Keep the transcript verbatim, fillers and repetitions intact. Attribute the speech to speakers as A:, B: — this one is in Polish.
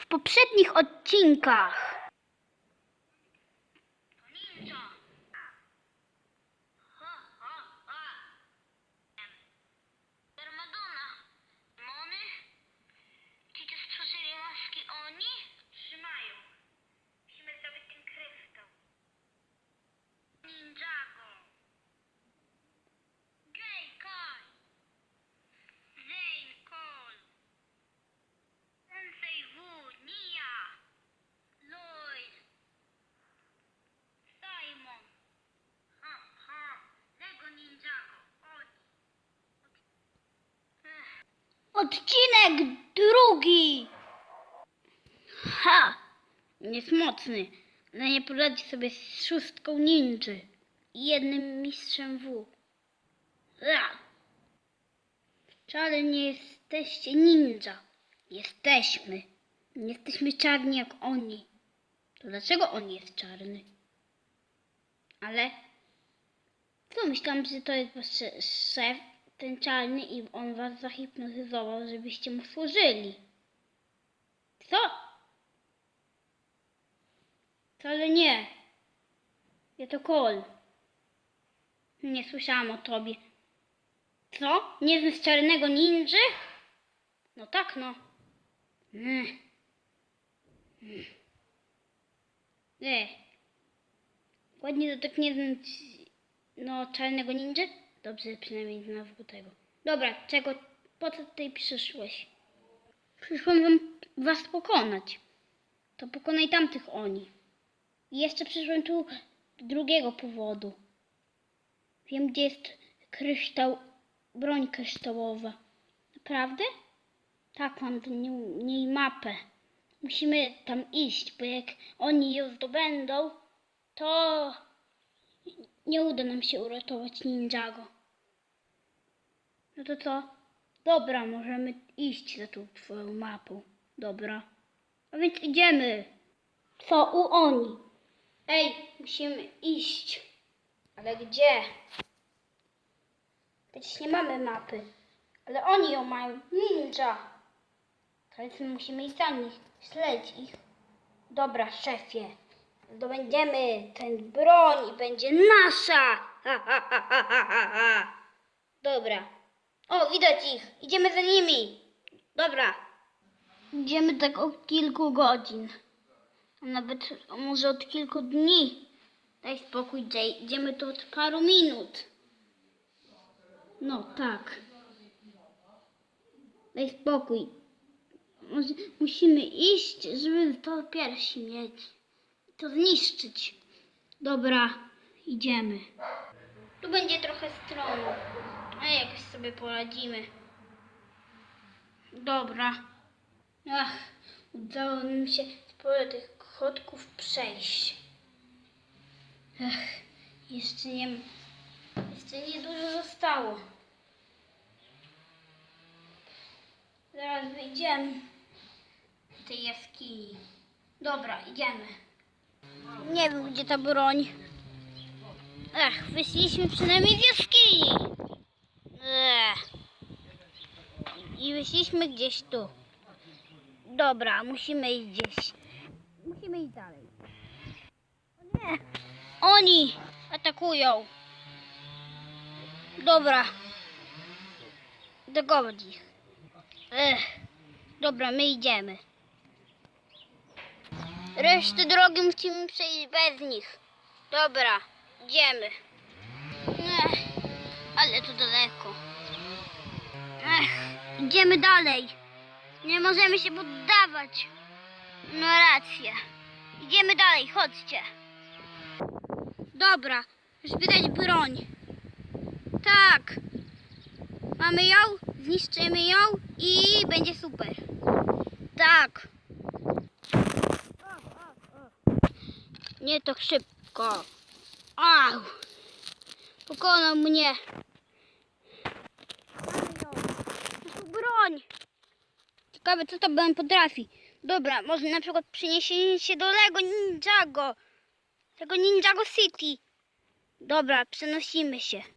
A: poprzednich odcinkach. Odcinek drugi. Ha! Jest mocny, ale nie poradzi sobie z szóstką ninży i jednym mistrzem W. Ja. Wcale nie jesteście ninja. Jesteśmy. Nie jesteśmy czarni jak oni. To dlaczego on jest czarny? Ale co, myślałam, że to jest wasz szef, ten czarny, i on was zahipnotyzował, żebyście mu służyli. Co? Wcale nie. Ja to Cole. Nie słyszałam o tobie. Co? Nie znasz czarnego ninży? No tak, no. Mm. Mm. E. Ładnie to tak nie znać, no, czarnego ninży? Dobrze, przynajmniej znalazł tego. Dobra, czego, po co tutaj przyszłeś? Przyszłam wam, was pokonać. To pokonaj tamtych oni. I jeszcze przyszłem tu z drugiego powodu. Wiem, gdzie jest kryształ, broń kryształowa. Naprawdę? Tak, mam do niej mapę. Musimy tam iść, bo jak oni ją zdobędą, to nie uda nam się uratować Ninjago. No to co? Dobra, możemy iść za tą twoją mapą. Dobra. A więc idziemy. Co u oni? Ej, musimy iść. Ale gdzie? Przecież nie mamy mapy. Ale oni ją mają. Ninja. Więc musimy iść za nich. Śledź ich. Dobra, szefie. Zdobędziemy ten broń i będzie nasza. Ha, ha, ha, ha, ha, ha. Dobra. O, widać ich. Idziemy za nimi. Dobra. Idziemy tak od kilku godzin. A nawet może od kilku dni. Daj spokój, Jay. Idziemy tu od paru minut. No tak. Daj spokój. Może musimy iść, żeby to piersi mieć. To zniszczyć. Dobra, idziemy. Tu będzie trochę stromo, a jakoś sobie poradzimy. Dobra. Ach, udało nam się sporo tych chodków przejść. Ach, jeszcze nie, jeszcze nie dużo zostało. Zaraz wyjdziemy z tej jaskini. Dobra, idziemy. Nie wiem, gdzie ta broń. Ach, wyszliśmy przynajmniej z jaskini. Ech. I wyszliśmy gdzieś tu. Dobra, musimy iść gdzieś. Musimy iść dalej. O nie! Oni atakują. Dobra. Dogodź ich. Ech. Dobra, my idziemy. Resztę drogi musimy przejść bez nich. Dobra, idziemy. Ech, ale to daleko. Ech, idziemy dalej. Nie możemy się poddawać. No racja. Idziemy dalej, chodźcie. Dobra, już widać broń. Tak. Mamy ją, zniszczymy ją i będzie super. Tak. Nie tak szybko. Au! Pokonał mnie. To broń. Ciekawe, co to broń potrafi. Dobra, może na przykład przeniesienie się do Lego Ninjago. Tego Ninjago City. Dobra, przenosimy się.